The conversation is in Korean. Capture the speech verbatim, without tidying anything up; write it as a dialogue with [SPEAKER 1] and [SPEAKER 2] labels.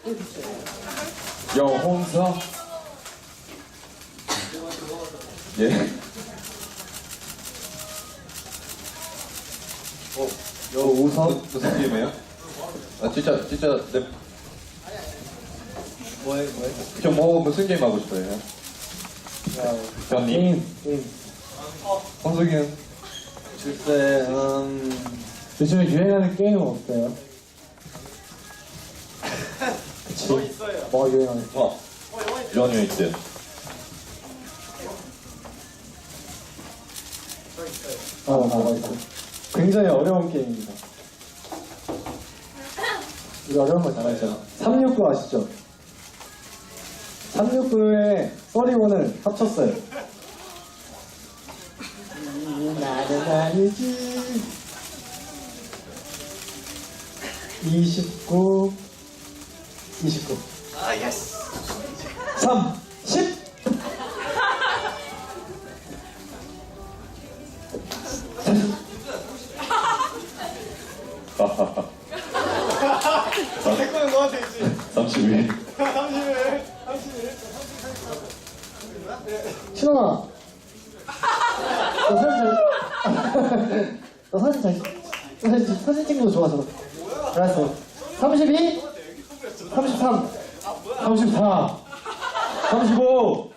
[SPEAKER 1] 여홍서. 예. 어, 여우선 무슨 게임이에요? 아 진짜 진짜 네.
[SPEAKER 2] 뭐해 뭐해?
[SPEAKER 1] 저뭐 무슨 게임 하고 싶어요? 현님.
[SPEAKER 2] 게임 게임.
[SPEAKER 1] 홍석이는
[SPEAKER 2] 글쎄 음 요즘에 유행하는 게임은 없어요? 그치? 뭐 있어요? 뭐가 유행하는?
[SPEAKER 1] 어. 연유 있대.
[SPEAKER 2] 어 뭐가 있어? 굉장히 어려운 게임입니다. 우리 어려운 거 잘하잖아. 삼육구 아시죠? 삼육구에 써리곤을 합쳤어요. 음, 나는 아니지. 이십구, 이십구. 아, 예스. 삼, 십.
[SPEAKER 1] 하하하.
[SPEAKER 3] 내 거는 너한테 있지.
[SPEAKER 1] 삼십일.
[SPEAKER 3] 삼십일. 삼십일.
[SPEAKER 2] 신원아. 너 사진 잘, 너 사진 잘, 너 사진, 사진 찍는 거 좋아하잖아. 알았어. 삼십이, 삼십삼, 삼십사, 삼십오,